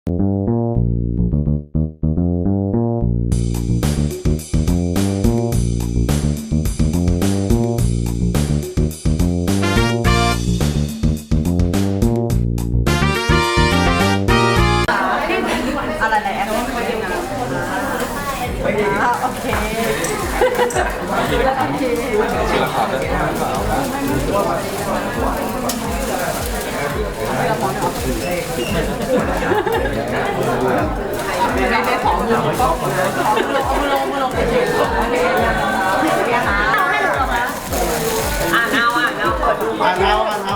โอเคแล้วโอเคได้ของมือก็มือลงเฉยๆโอเคนะคะให้หนูลงนะอ่านเอาเปิดดูได้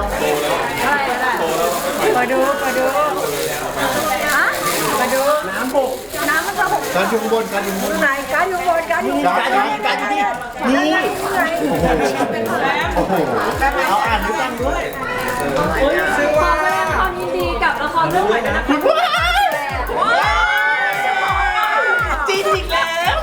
เปิดดูฮะเปิดดูน้ำมันจะหกการอยู่บนไหนการอยู่บนการอยู่นี่โอ้โหเอาอ่านด้วยกันด้วยขอแสดงความยินดีกับละครเรื่องใหม่นะคะจีนอีกแล้ว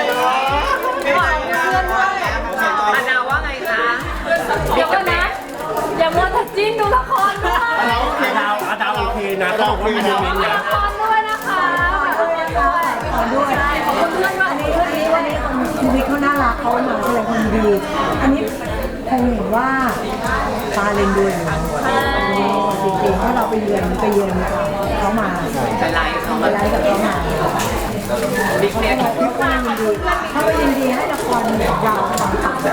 อานาว่าไงคะเดี๋ยวกันนะอย่ามัวแต่จิ้นดูละครด้วยอาดาวโอเคนะก็บอกว่ามีโมเมนต์นะละครด้วยนะคะขอบคุณเพื่อนว่าวันนี้ชีวิตเขาน่ารักเขามาแสดงความดีอันนี้คงเห็นว่าตาเลนด้วยอยู่จริงๆถ้าเราไปเยือนเขามาไปไลฟ์เขากับเขามาบิ๊กเน็ตถ้าไปยินดีให้ละครยาวสองตัด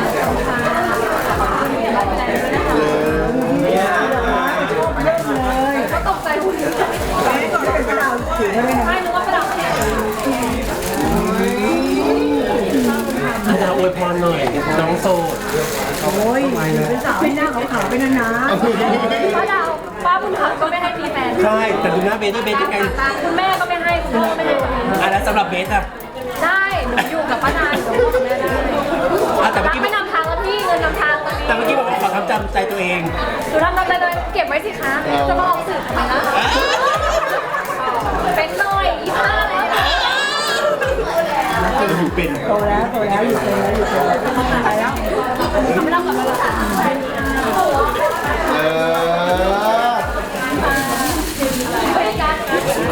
ก็ตกใจหุ่นเราถือได้ไหมไม่รู้ว่าเราอาดาวอวยพรหน่อยน้องโซโอ้ยเป็นสาวเป็นหน้าขาวๆเป็นนานๆป้าดาวป้าบุญธรรมก็ไม่ให้มีแฟนใช่แต่ดูหน้าเบสด้วยเบสยังไงคุณแม่ก็ไม่ให้คุณพ่อไม่ให้แล้วสำหรับเบสอะได้หนูอยู่กับป้านายหนูกับแม่ได้แต่เมื่อกี้ไม่นำทางแล้วพี่เงินนำทางตอนนี้แต่เมื่อกี้บอกว่าขอทำจำใจตัวเองหนูทำใจตัวเองเก็บไว้สิคะจะมาออกสื่อทำไมนะเป็นหน่อยอีห้าแล้วอยู่เป็นโตแล้วอยู่เป็นไปแล้วทำไม่ได้กับเรา